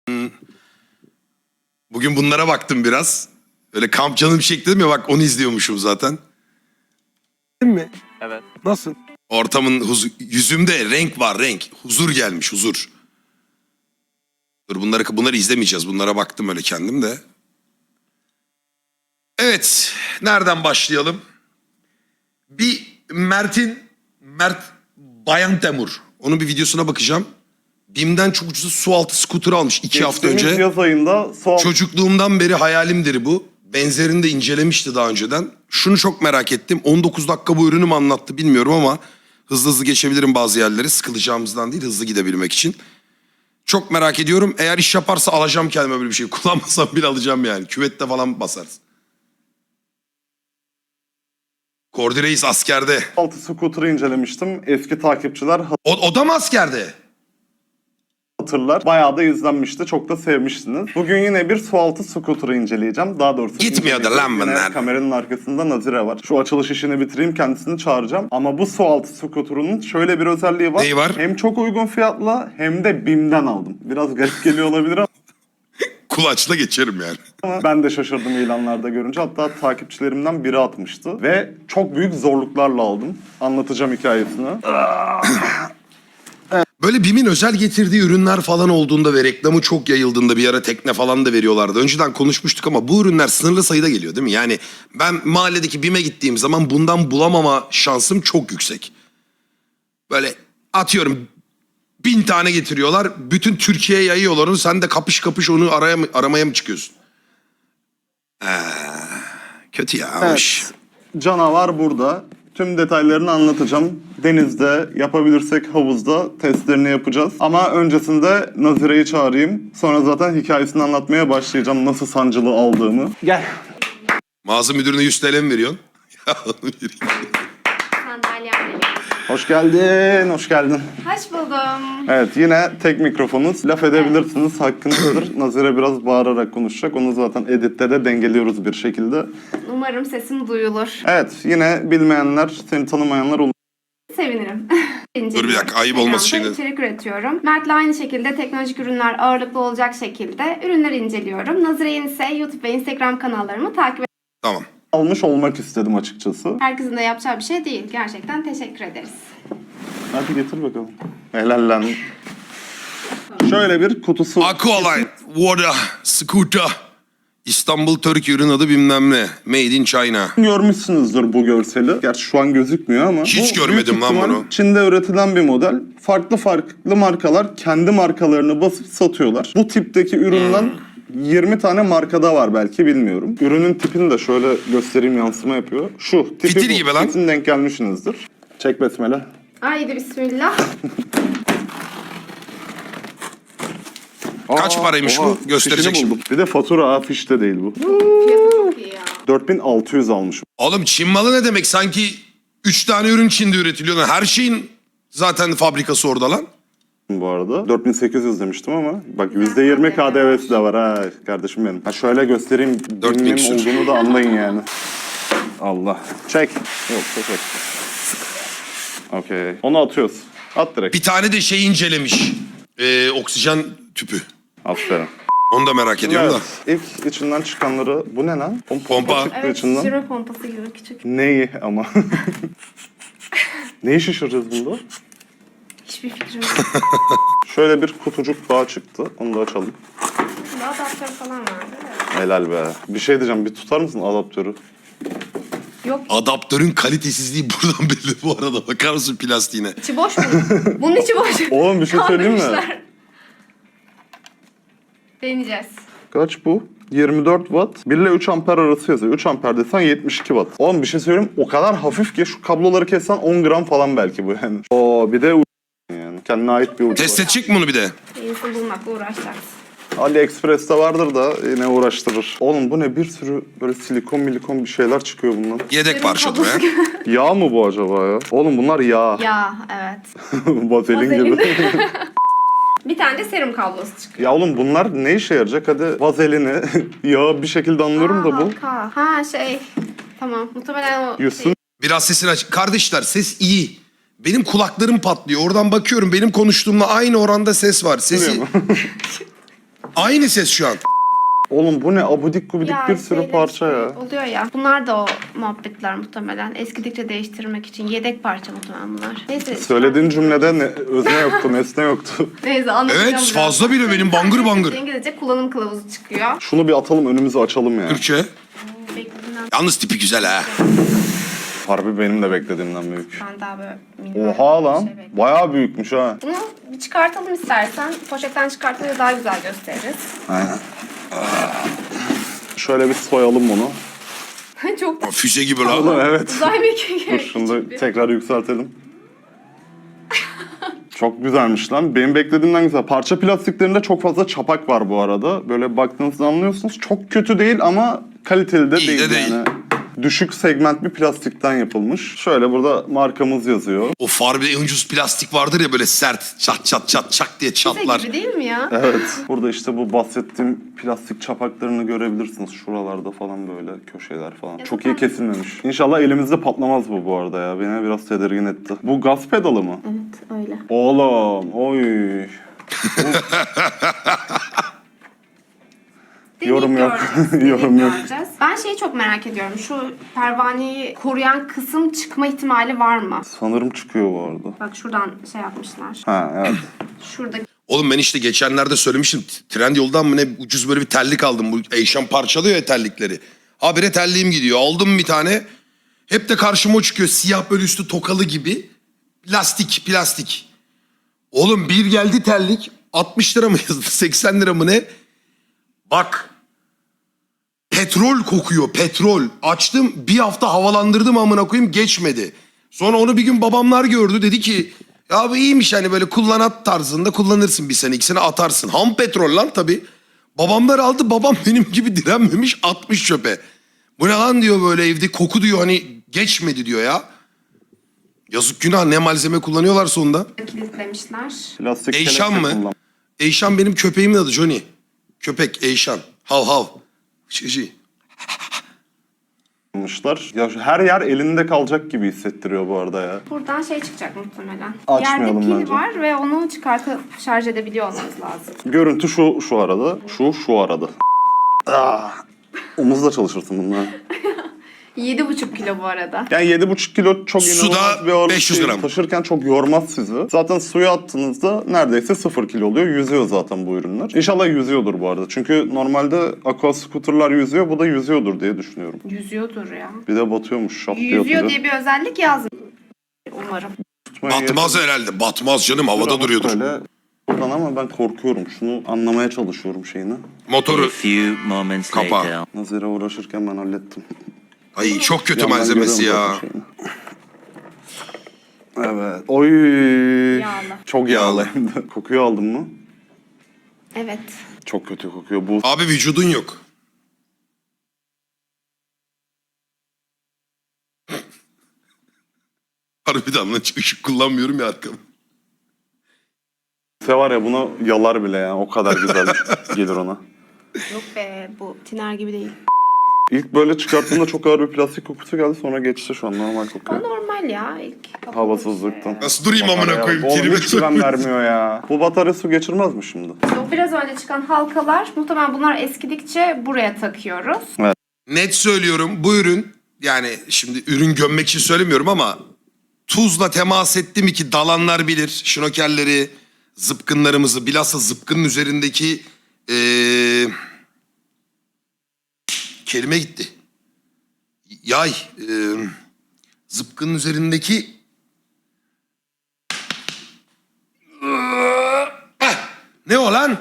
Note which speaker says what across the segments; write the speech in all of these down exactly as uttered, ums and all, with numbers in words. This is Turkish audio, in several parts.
Speaker 1: Bugün bunlara baktım biraz. Öyle kamp canım çekti dedim ya, bak onu izliyormuşum zaten.
Speaker 2: Değil mi?
Speaker 3: Evet.
Speaker 2: Nasıl?
Speaker 1: Ortamın huzur, yüzümde renk var, renk. Huzur gelmiş, huzur. Dur bunları bunları izlemeyeceğiz. Bunlara baktım öyle kendim de. Evet, nereden başlayalım? Bir Mert'in Mert Bayantemur. Onun bir videosuna bakacağım. BİM'den çok ucuz su altı scooter almış iki hafta önce.
Speaker 4: Yaz ayında su altı...
Speaker 1: Çocukluğumdan beri hayalimdir bu. Benzerini de incelemişti daha önceden. Şunu çok merak ettim. on dokuz dakika bu ürünü mü anlattı bilmiyorum ama hızlı hızlı geçebilirim bazı yerleri. Sıkılacağımızdan değil, hızlı gidebilmek için. Çok merak ediyorum. Eğer iş yaparsa alacağım kendime böyle bir şey. Kullanmasam bile alacağım yani. Küvette falan basarsın. Kordi Reis askerde.
Speaker 4: altı scooter'ı incelemiştim. Eski takipçiler
Speaker 1: O, o da mı askerde?
Speaker 4: hatırlar. Bayağı da izlenmişti. Çok da sevmiştiniz. Bugün yine bir su altı scooter'ı inceleyeceğim. Daha doğrusu...
Speaker 1: Gitmiyor da lan bunlar.
Speaker 4: Kameranın arkasında Nazire var. Şu açılış işini bitireyim, kendisini çağıracağım. Ama bu su altı scooter'ının şöyle bir özelliği var.
Speaker 1: Neyi var?
Speaker 4: Hem çok uygun fiyatla hem de BİM'den aldım. Biraz garip geliyor olabilir ama...
Speaker 1: Kulaçla geçerim yani.
Speaker 4: Ama ben de şaşırdım ilanlarda görünce. Hatta takipçilerimden biri atmıştı. Ve çok büyük zorluklarla aldım. Anlatacağım hikayesini.
Speaker 1: Böyle BİM'in özel getirdiği ürünler falan olduğunda ve reklamı çok yayıldığında bir ara tekne falan da veriyorlardı. Önceden konuşmuştuk ama bu ürünler sınırlı sayıda geliyor değil mi? Yani ben mahalledeki BİM'e gittiğim zaman bundan bulamama şansım çok yüksek. Böyle atıyorum bin tane getiriyorlar. Bütün Türkiye'ye yayıyorlar onu. Sen de kapış kapış onu araya mı, aramaya mı çıkıyorsun? Ee, kötü ya.
Speaker 4: Evet. Canavar burada. Tüm detaylarını anlatacağım. Denizde, yapabilirsek havuzda testlerini yapacağız. Ama öncesinde Nazire'yi çağırayım. Sonra zaten hikayesini anlatmaya başlayacağım. Nasıl sancılı aldığımı. Gel.
Speaker 1: Mağaza müdürüne yüz TL mi veriyorsun? Ya onu vereyim.
Speaker 5: Sandalyem geliyor.
Speaker 4: Hoş geldin, hoş geldin.
Speaker 5: Hoş buldum.
Speaker 4: Evet, yine tek mikrofonuz. Laf edebilirsiniz, hakkınızdır. Nazire biraz bağırarak konuşacak. Onu zaten editte de dengeliyoruz bir şekilde.
Speaker 5: Umarım sesim duyulur.
Speaker 4: Evet, yine bilmeyenler, seni tanımayanlar olur.
Speaker 5: Sevinirim.
Speaker 1: Dur bir dakika, ayıp olması
Speaker 5: Instagram'da
Speaker 1: şeyde.
Speaker 5: içerik üretiyorum. Mert'le aynı şekilde teknolojik ürünler ağırlıklı olacak şekilde ürünler inceliyorum. Nazire'nin ise YouTube ve Instagram kanallarımı takip et.
Speaker 1: Tamam.
Speaker 4: Almış olmak istedim açıkçası.
Speaker 5: Herkesin de yapacağı bir şey değil. Gerçekten teşekkür ederiz.
Speaker 4: Hadi getir bakalım. Helal lan. Şöyle bir kutusu.
Speaker 1: Aqualine, Water, Scooter. İstanbul Türk ürün adı bilmem ne. Made in China.
Speaker 4: Görmüşsünüzdür bu görseli. Gerçi şu an gözükmüyor ama.
Speaker 1: Hiç
Speaker 4: bu
Speaker 1: görmedim
Speaker 4: büyük
Speaker 1: lan
Speaker 4: ihtimal
Speaker 1: bunu.
Speaker 4: Çin'de üretilen bir model. Farklı farklı markalar kendi markalarını basıp satıyorlar. Bu tipteki üründen yirmi tane markada var belki, bilmiyorum. Ürünün tipini de şöyle göstereyim, yansıma yapıyor. Şu tipi
Speaker 1: Fitil
Speaker 4: bu.
Speaker 1: gibi lan.
Speaker 4: Kesin denk gelmişsinizdir. Çek besmele.
Speaker 5: Haydi bismillah.
Speaker 1: Kaç paraymış bu? Gösterecek
Speaker 4: fişini
Speaker 1: şimdi.
Speaker 4: buldum. Bir de fatura, ha, fişte değil bu.
Speaker 5: Fiyatı çok iyi ya.
Speaker 4: dört bin altı yüz almışım.
Speaker 1: Oğlum Çin malı ne demek? Sanki üç tane ürün Çin'de üretiliyor. Lan her şeyin zaten fabrikası orada lan.
Speaker 4: Bu arada dört bin sekiz yüz demiştim ama bak yüzde yirmi K D V'si de var ha kardeşim benim. Ha şöyle göstereyim,
Speaker 1: dört bin
Speaker 4: bilmem
Speaker 1: küsur.
Speaker 4: olduğunu da anlayın yani. Allah. Çek. Yok çek. Okey. Onu atıyoruz. At direkt.
Speaker 1: Bir tane de şey incelemiş. Ee, oksijen tüpü.
Speaker 4: Aferin.
Speaker 1: Onu da merak ediyorum
Speaker 4: Evet.
Speaker 1: da.
Speaker 4: İlk içinden çıkanları, bu ne lan? Pompa,
Speaker 1: Pompa.
Speaker 4: çıktı
Speaker 5: Evet,
Speaker 4: içinden.
Speaker 5: şişirme pompası gibi küçük.
Speaker 4: Neyi ama? Neyi şişireceğiz bunda?
Speaker 5: Hiçbir fikrim yok.
Speaker 4: Şöyle bir kutucuk daha çıktı. Onu da açalım.
Speaker 5: Bunda adaptör falan vardı. Evet.
Speaker 4: Helal be. Bir şey diyeceğim. Bir tutar mısın adaptörü?
Speaker 5: Yok,
Speaker 1: Adaptörün kalitesizliği buradan belli bu arada. Bakar mısın plastiğine?
Speaker 5: içi boş mu? Bunun içi boş.
Speaker 4: Oğlum bir şey söyleyeyim mi?
Speaker 5: Kandırmışlar. Deneyeceğiz.
Speaker 4: Kaç bu? yirmi dört watt. bir ile üç amper arası yazıyor. üç amper desen yetmiş iki watt. Oğlum bir şey söyleyeyim, o kadar hafif ki şu kabloları kessen on gram falan belki bu yani. Oo bir de u- yani kendine ait bir ucu
Speaker 1: Test
Speaker 4: var.
Speaker 1: edecek mi bunu bir de?
Speaker 5: İyisini bulmakla uğraşacağız.
Speaker 4: AliExpress'te vardır da yine uğraştırır. Oğlum bu ne, bir sürü böyle silikon milikon bir şeyler çıkıyor bundan.
Speaker 1: Yedek parça bu ya.
Speaker 4: Yağ mı bu acaba ya? Oğlum bunlar yağ.
Speaker 5: Ya evet.
Speaker 4: Vazelin gibi.
Speaker 5: Bir tane de serum kablosu çıkıyor.
Speaker 4: Ya oğlum bunlar ne işe yarayacak? Hadi vazelini, yağı bir şekilde anlıyorum da bu.
Speaker 5: Halka. Ha şey. Tamam. Muhtemelen o
Speaker 4: Yusun
Speaker 5: şey.
Speaker 1: Biraz sesini aç. Kardeşler ses iyi. Benim kulaklarım patlıyor. Oradan bakıyorum benim konuştuğumla aynı oranda ses var. Sesi...
Speaker 4: Biliyor musun?
Speaker 1: Aynı ses şu an.
Speaker 4: Oğlum bu ne abudik gubidik
Speaker 5: Ya
Speaker 4: bir sürü
Speaker 5: şeyler
Speaker 4: parça
Speaker 5: işte
Speaker 4: ya.
Speaker 5: oluyor ya. Bunlar da o muhabbetler muhtemelen. Eskidikçe değiştirmek için yedek parça muhtemelen bunlar. Neyse.
Speaker 4: Söylediğin cümlede ne, özne yoktu, nesne yoktu.
Speaker 5: Neyse anlatacağım
Speaker 1: Evet,
Speaker 5: biraz.
Speaker 1: fazla bile benim bangır bangır.
Speaker 5: İngilizce kullanım kılavuzu çıkıyor.
Speaker 4: Şunu bir atalım önümüzü açalım ya.
Speaker 1: Türkçe.
Speaker 5: Beklediğimden
Speaker 1: Yalnız tipi güzel ha.
Speaker 4: Harbi benim de beklediğimden büyük.
Speaker 5: ben daha böyle minnak
Speaker 4: Oha
Speaker 5: bir
Speaker 4: lan.
Speaker 5: şey bekliyorum.
Speaker 4: Bayağı büyükmüş ha.
Speaker 5: Bunu bir çıkartalım istersen. Poşetten çıkartınca daha güzel gösteririz.
Speaker 4: Aynen. Şöyle bir soyalım bunu.
Speaker 5: Çok
Speaker 1: Füze gibi lan.
Speaker 4: Oğlum evet.
Speaker 5: uzay mekiği
Speaker 4: Dur
Speaker 5: gibi.
Speaker 4: şunu da tekrar yükseltelim. Çok güzelmiş lan. Benim beklediğimden güzel. Parça plastiklerinde çok fazla çapak var bu arada. Böyle baktığınızda anlıyorsunuz. Çok kötü değil ama kaliteli de
Speaker 1: İyi de
Speaker 4: değil,
Speaker 1: değil.
Speaker 4: yani. Düşük segment bir plastikten yapılmış. Şöyle burada markamız yazıyor.
Speaker 1: O farbe en ucuz plastik vardır ya böyle sert çat çat çat çak diye
Speaker 5: Füze
Speaker 1: çatlar.
Speaker 5: gibi değil mi ya?
Speaker 4: Evet. Burada işte bu bahsettiğim plastik çapaklarını görebilirsiniz. Şuralarda falan böyle köşeler falan.
Speaker 5: Ya
Speaker 4: Çok iyi
Speaker 5: zaten-
Speaker 4: kesilmemiş. İnşallah elimizde patlamaz bu bu arada ya. Beni biraz tedirgin etti. Bu gaz pedalı mı?
Speaker 5: Evet öyle.
Speaker 4: Oğlum, oy. Yorum
Speaker 5: Deneyip
Speaker 4: yok.
Speaker 5: göreceğiz, deneyip
Speaker 4: Yorum yok.
Speaker 5: göreceğiz. Ben şeyi çok merak ediyorum. Şu pervaneyi koruyan kısım çıkma ihtimali var mı?
Speaker 4: Sanırım çıkıyor bu arada.
Speaker 5: Bak şuradan şey yapmışlar.
Speaker 4: Ha evet.
Speaker 5: Şuradaki
Speaker 1: Oğlum ben işte geçenlerde söylemiştim. Trendyol'dan mı ne ucuz böyle bir terlik aldım. Bu Eyşan parçalıyor ya terlikleri. Habire terliğim gidiyor. Aldım bir tane. Hep de karşıma o çıkıyor. Siyah böyle üstü tokalı gibi. Plastik, plastik. Oğlum bir geldi terlik. altmış lira mı yazdı? seksen lira mı ne? Bak. Petrol kokuyor, petrol. Açtım bir hafta havalandırdım amına koyayım geçmedi. Sonra onu bir gün babamlar gördü. Dedi ki ya bu iyiymiş hani böyle kullanat tarzında kullanırsın bir sene iki sene atarsın. Ham petrol lan tabii. Babamlar aldı, babam benim gibi direnmemiş atmış çöpe. Bu ne lan diyor böyle evde koku diyor hani geçmedi diyor ya. Yazık günah ne malzeme kullanıyorlar sonunda.
Speaker 5: kilitlemişler.
Speaker 4: Plastik
Speaker 1: Eyşan
Speaker 4: kelepçe
Speaker 1: mı? Eyşan benim köpeğimin adı Johnny. Köpek Eyşan. Hav hav. Şişi.
Speaker 4: kullanmışlar. Ya şu- her yer elinde kalacak gibi hissettiriyor bu arada ya.
Speaker 5: Buradan şey çıkacak muhtemelen.
Speaker 4: Açmayalım
Speaker 5: Yerde pil
Speaker 4: bence.
Speaker 5: var ve onu çıkartıp şarj edebiliyor olmamız lazım.
Speaker 4: Görüntü şu şu arada. Şu şu arada. Ah. Omuzla çalışırsın bunlar.
Speaker 5: yedi buçuk kilo bu arada.
Speaker 4: Yani yedi buçuk kilo çok
Speaker 1: Suda
Speaker 4: inanılmaz bir ağırlık
Speaker 1: beş yüz
Speaker 4: değil.
Speaker 1: gram.
Speaker 4: Taşırken çok yormaz sizi. Zaten suya attığınızda neredeyse sıfır kilo oluyor. Yüzüyor zaten bu ürünler. İnşallah yüzüyordur bu arada. Çünkü normalde aqua scooter'lar yüzüyor. Bu da yüzüyordur diye düşünüyorum.
Speaker 5: Yüzüyordur ya.
Speaker 4: Bir de batıyormuş şap diye
Speaker 5: Yüzüyor
Speaker 4: atınca.
Speaker 5: diye bir özellik yazmıyor. Umarım.
Speaker 4: Tutmaya
Speaker 1: Batmaz herhalde. Batmaz canım havada
Speaker 4: Ama
Speaker 1: duruyordur.
Speaker 4: Böyle buradan ama ben korkuyorum. Şunu anlamaya çalışıyorum şeyini.
Speaker 3: A
Speaker 1: Motoru.
Speaker 3: few moments
Speaker 1: Kapağı.
Speaker 3: later.
Speaker 4: Nazire uğraşırken ben hallettim.
Speaker 1: Ay çok kötü
Speaker 4: Yandan
Speaker 1: malzemesi
Speaker 4: görüyorum
Speaker 1: ya.
Speaker 4: zaten şeyini. Evet. Oy.
Speaker 5: Yağlı.
Speaker 4: Çok yağlı hem de. Kokuyu aldın mı?
Speaker 5: Evet.
Speaker 4: Çok kötü kokuyor. Bu
Speaker 1: Abi vücudun yok. Harbiden lan hiç ışık kullanmıyorum ya arkamı.
Speaker 4: se var ya bunu yalar bile yani. O kadar güzel gelir ona.
Speaker 5: Yok be bu tiner gibi değil.
Speaker 4: İlk böyle çıkarttığımda çok ağır bir plastik kokusu geldi. Sonra geçti şu an normal
Speaker 5: O
Speaker 4: kokuyor.
Speaker 5: normal ya ilk.
Speaker 4: Havasızlıktan.
Speaker 1: Nasıl durayım amına koyayım?
Speaker 4: Oğlum
Speaker 1: Kelime
Speaker 4: hiç güven
Speaker 1: söylüyorum.
Speaker 4: vermiyor ya. Bu batarya su geçirmez mi şimdi?
Speaker 5: O biraz önce çıkan halkalar muhtemelen bunlar eskidikçe buraya takıyoruz.
Speaker 1: Net söylüyorum bu ürün yani şimdi ürün gömmek için söylemiyorum ama tuzla temas etti mi ki dalanlar bilir. Şnokerleri, zıpkınlarımızı bilhassa zıpkının üzerindeki ee, kelime gitti. Yay. ee, zıpkının üzerindeki Heh, ne o lan?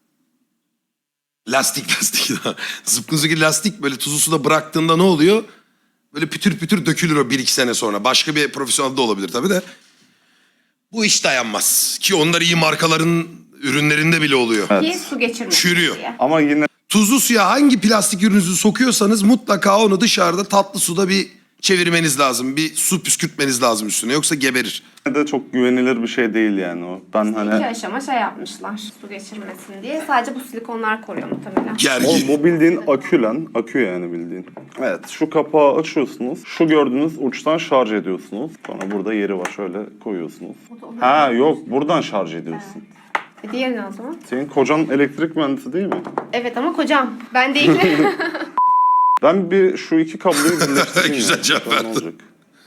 Speaker 1: Lastik lastik. Zıpkın üzerindeki lastik böyle tuzlu suda bıraktığında ne oluyor? Böyle pütür pütür dökülür o bir iki sene sonra. Başka bir profesyonel de olabilir tabii de. Bu iş dayanmaz. Ki onlar iyi markaların ürünlerinde bile oluyor.
Speaker 5: Ki su geçirmesin
Speaker 1: Çürüyor.
Speaker 5: diye.
Speaker 4: Ama yine
Speaker 1: Tuzlu suya hangi plastik ürününüzü sokuyorsanız mutlaka onu dışarıda tatlı suda bir çevirmeniz lazım. Bir su püskürtmeniz lazım üstüne yoksa geberir.
Speaker 4: de çok güvenilir bir şey değil yani o. Ben
Speaker 5: İki
Speaker 4: hani...
Speaker 5: aşama şey yapmışlar su geçirmesin diye. Sadece bu silikonlar koruyor muhtemelen.
Speaker 1: Gergi.
Speaker 4: Oğlum bu bildiğin akü lan. Akü yani bildiğin. Evet şu kapağı açıyorsunuz. Şu gördüğünüz uçtan şarj ediyorsunuz. Sonra burada yeri var şöyle koyuyorsunuz. Ha yok buradan şarj ediyorsun.
Speaker 5: E, diğeri ne o zaman?
Speaker 4: Senin kocan elektrik mühendisi değil mi?
Speaker 5: Evet ama kocam. Ben değilim.
Speaker 4: Ben bir şu iki kabloyu birleştireyim.
Speaker 1: Güzel
Speaker 4: ya.
Speaker 1: cevap
Speaker 4: Bakalım ne
Speaker 1: verdin.
Speaker 4: olacak.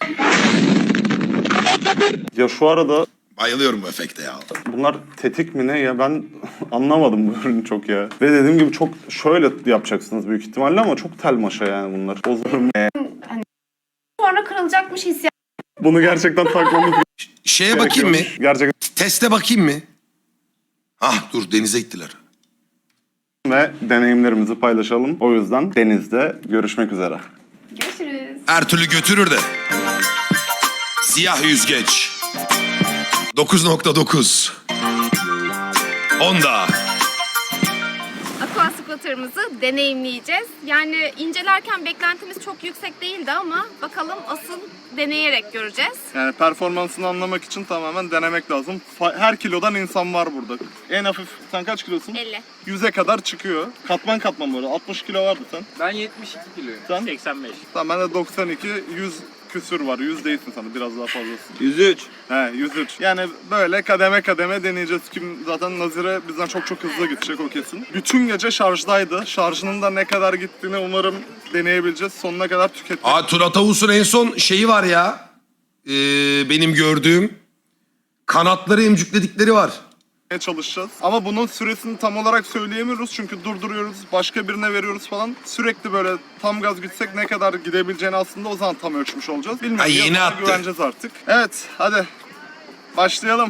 Speaker 4: Ya şu arada
Speaker 1: Bayılıyorum bu efekte ya.
Speaker 4: bunlar tetik mi ne ya, ben anlamadım bu ürünü çok ya. Ve dediğim gibi çok şöyle yapacaksınız büyük ihtimalle ama çok tel maşa yani bunlar. Bozurum.
Speaker 5: Sonra kırılacakmış hissiyat.
Speaker 4: Bunu gerçekten takmamız
Speaker 1: Şeye bakayım mı?
Speaker 4: gerekiyormuş. Gerçekten.
Speaker 1: Teste bakayım mı? Ah dur denize gittiler.
Speaker 4: Ve deneyimlerimizi paylaşalım. O yüzden denizde görüşmek üzere.
Speaker 5: Görüşürüz.
Speaker 1: Her türlü götürür de. Siyah yüzgeç. dokuz nokta dokuz. Honda.
Speaker 5: Aqua scooter'ımızı deneyimleyeceğiz. Yani incelerken beklentimiz çok yüksek değildi ama bakalım asıl deneyerek göreceğiz.
Speaker 4: Yani performansını anlamak için tamamen denemek lazım. Fa- Her kilodan insan var burada. En hafif, sen kaç kilosun?
Speaker 5: elli.
Speaker 4: yüze kadar çıkıyor. Katman katman böyle. altmış kilo vardı sen.
Speaker 3: Ben yetmiş iki kiloyum.
Speaker 4: Sen?
Speaker 3: seksen beş.
Speaker 4: Tamam, ben de doksan iki, yüz küsür var. yüz değilsin sana, biraz daha fazlasın.
Speaker 3: yüz üç.
Speaker 4: He, yüz üç. Yani böyle kademe kademe deneyeceğiz. Kim zaten Nazire bizden çok çok hızlı gidecek, o kesin. Bütün gece şarjdaydı. Şarjının da ne kadar gittiğini umarım deneyebileceğiz. Sonuna kadar tüketmek.
Speaker 1: Aa Turat Avus'un en son şeyi var ya. Ee, benim gördüğüm. Kanatları emcükledikleri var.
Speaker 4: çalışacağız. Ama bunun süresini tam olarak söyleyemiyoruz çünkü durduruyoruz, başka birine veriyoruz falan. Sürekli böyle tam gaz gitsek ne kadar gidebileceğini aslında o zaman tam ölçmüş olacağız. Bilmiyorum.
Speaker 1: Ay, yeni
Speaker 4: Yazına
Speaker 1: attı.
Speaker 4: güveneceğiz artık. Evet, hadi başlayalım.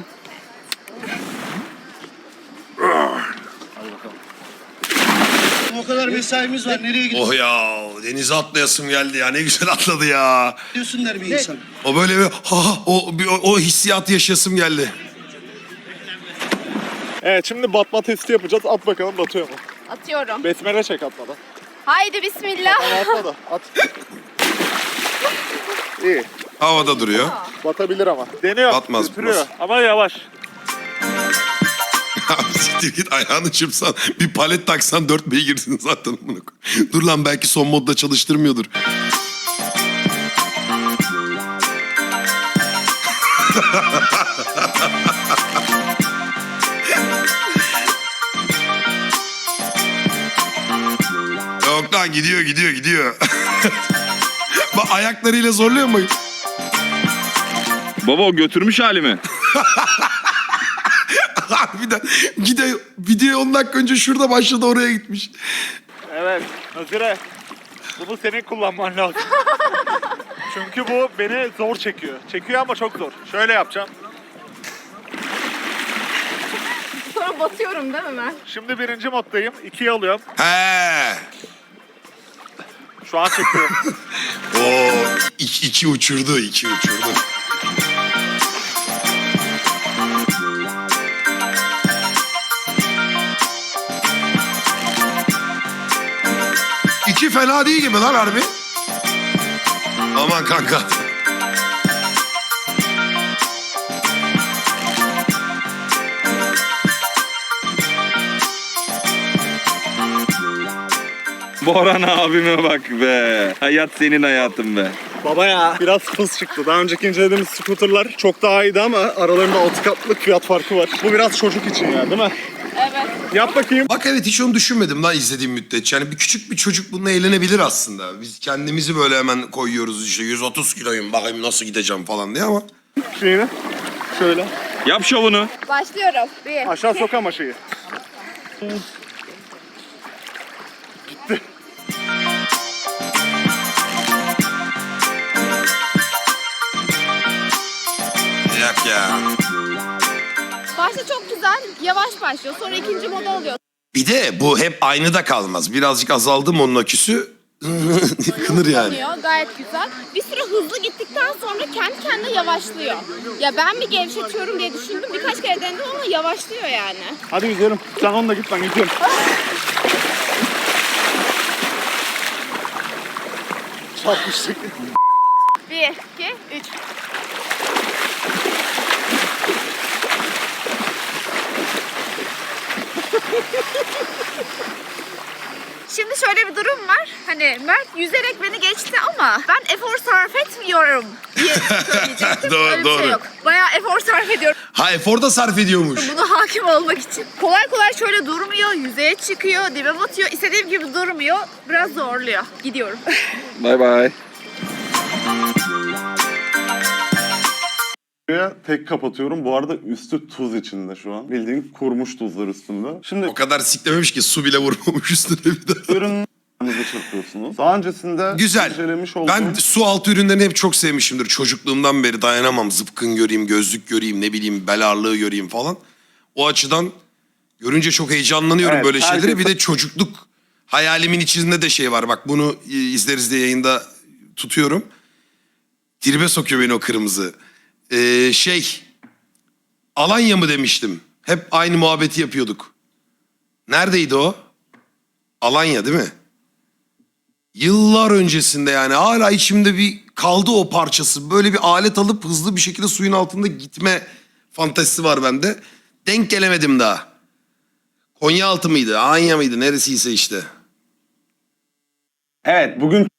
Speaker 2: O kadar mesaimiz var. Nereye
Speaker 1: Oh ya denize atlayasım geldi ya. Ne güzel atladı ya.
Speaker 2: gidiyorsun der bir insan.
Speaker 1: O böyle bir ha ha, o, bir- o, o hissiyatı yaşasım geldi.
Speaker 4: Evet, şimdi batma testi yapacağız. At bakalım batıyor mu?
Speaker 5: Atıyorum.
Speaker 4: Besmele çek atmadan.
Speaker 5: Haydi bismillah.
Speaker 4: Ama atma da at. İyi.
Speaker 1: Havada duruyor.
Speaker 4: Batabilir ama. Deniyor.
Speaker 1: Batmaz,
Speaker 4: götürüyor.
Speaker 1: batmaz.
Speaker 4: Ama yavaş.
Speaker 1: Abi siktir git ayağını çırpsan bir palet taksan dört beygirsin zaten. Bunu. Dur lan belki son modda çalıştırmıyordur. Yok lan gidiyor gidiyor gidiyor. Bak ayaklarıyla zorluyor mu?
Speaker 3: Baba o götürmüş halimi.
Speaker 1: Harbiden video, video on dakika önce şurada başladı oraya gitmiş.
Speaker 6: Evet, Nazire. Bunu senin kullanman lazım. Çünkü bu beni zor çekiyor. Çekiyor ama çok zor. Şöyle yapacağım.
Speaker 5: Sonra batıyorum değil mi ben?
Speaker 6: Şimdi birinci moddayım. ikiye alıyorum.
Speaker 1: He.
Speaker 6: Şu an çekiyor.
Speaker 1: O iki, iki uçurdu, iki uçurdu. İki fena değil gibi lan harbi. Aman kanka.
Speaker 3: Boran abime bak be. Hayat senin hayatın be.
Speaker 4: Baba ya. Biraz hız çıktı. Daha önceki incelediğimiz scooterlar çok daha iyiydi ama aralarında altı katlık fiyat farkı var. Bu biraz çocuk için ya, değil mi?
Speaker 5: Evet.
Speaker 4: Yap bakayım.
Speaker 1: Bak evet hiç onu düşünmedim lan izlediğim müddetçe. Yani bir küçük bir çocuk bununla eğlenebilir aslında. Biz kendimizi böyle hemen koyuyoruz işte yüz otuz kiloyum bakayım nasıl gideceğim falan diye ama.
Speaker 4: Şeyini. Şöyle.
Speaker 3: Yap şovunu.
Speaker 5: Başlıyorum. Bir.
Speaker 4: Aşağı sok ama şeyi.
Speaker 1: Yak ya.
Speaker 5: Başta çok güzel. Yavaş başlıyor. Sonra ikinci moda oluyor.
Speaker 1: Bir de bu hep aynı da kalmaz. Birazcık azaldı mı onun aküsü yıkılır yani.
Speaker 5: Oluyor. Gayet güzel. Bir süre hızlı gittikten sonra kendi kendine yavaşlıyor. Ya ben mi gevşetiyorum diye düşündüm. Birkaç kere denedim ama yavaşlıyor yani.
Speaker 4: Hadi yüzelim. Sen onunla git, ben gidiyorum. Çarpmıştık.
Speaker 5: Bir, iki, üç. Şimdi şöyle bir durum var. Hani Mert yüzerek beni geçti ama ben efor sarf etmiyorum diye söyleyecektim.
Speaker 1: Doğru,
Speaker 5: Öyle bir
Speaker 1: doğru.
Speaker 5: şey yok. Bayağı efor sarf ediyorum
Speaker 1: Ha efor da sarf ediyormuş.
Speaker 5: buna hakim olmak için. Kolay kolay şöyle durmuyor, yüzeye çıkıyor, dibe batıyor. İstediğim gibi durmuyor. Biraz zorluyor. Gidiyorum.
Speaker 3: Bay bay.
Speaker 4: Buraya tek kapatıyorum. Bu arada üstü tuz içinde şu an. Bildiğin kurumuş tuzlar üstünde. Şimdi
Speaker 1: O kadar siklememiş ki su bile vurmamış üstüne bir daha.
Speaker 4: ürünlerinizi çırpıyorsunuz. Daha öncesinde
Speaker 1: Güzel.
Speaker 4: incelemiş olduğum...
Speaker 1: Ben su altı ürünlerini hep çok sevmişimdir. Çocukluğumdan beri dayanamam. Zıpkın göreyim, gözlük göreyim, ne bileyim bel ağırlığı göreyim falan. O açıdan görünce çok heyecanlanıyorum
Speaker 4: Evet,
Speaker 1: böyle şeylere.
Speaker 4: herkes-
Speaker 1: Bir de çocukluk hayalimin içinde de şey var. Bak bunu e, izleriz diye yayında tutuyorum. Tribe sokuyor beni o kırmızı. Ee, şey Alanya mı demiştim. Hep aynı muhabbeti yapıyorduk. Neredeydi o? Alanya değil mi? Yıllar öncesinde yani hala içimde bir kaldı o parçası. Böyle bir alet alıp hızlı bir şekilde suyun altında gitme fantezisi var bende. Denk gelemedim daha. Konyaaltı mıydı? Anya mıydı? Neresiyse işte.
Speaker 4: Evet, bugün